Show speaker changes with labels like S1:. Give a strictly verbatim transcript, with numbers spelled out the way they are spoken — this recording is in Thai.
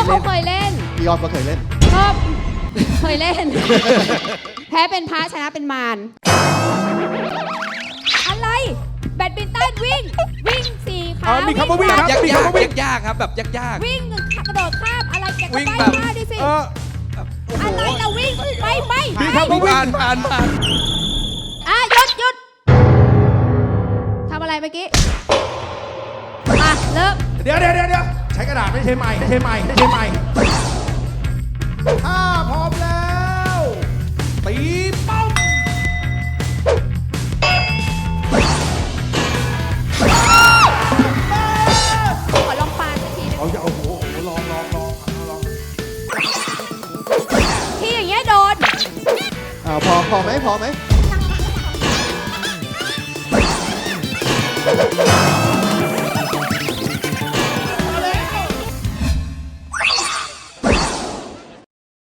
S1: เขาเคยเล่น
S2: พี่ยอมก็เคยเล่น
S1: ก็เคยเล่น แพ้เป็นพระชนะเป็นมารอะไรแบดมินตันวิ่ง วิ่งสี่ขา
S3: เอามีคำว่าวิ่งครับ
S4: ยาก
S3: มี
S4: ยาก
S3: คำว่าวิ่ง
S4: ยากครับแบบยากยาก
S1: วิ่งกระโดดข้ามอะไรแกก็
S4: วิ่ง
S1: ไป
S4: แบบ
S1: มาดิสิ
S3: เออ
S1: อะไรเราวิ่งไปไป
S3: มี
S1: ไป
S3: คำว่าวิ่ง
S4: ผ่านผ่านผ่าน
S1: อ่ะหยุดหยุดทำอะไรเมื่อกี้อ่ะเริ่ม
S3: เดี๋ยวเดี๋ยวเดี๋ยวใช้กระดาษไม่ใช่ไม้ไม่ใช่ไม้ไม่ใช่ไม้ถ้าพร้อมแล้วตีป้อม
S1: ขอลองปาสักทีหนึง
S3: เอาอย่าโอ้โหลองลองลองลอง
S1: ที่อย่างเงี้ยโดน
S2: อ่าพอพอไหมพอไหม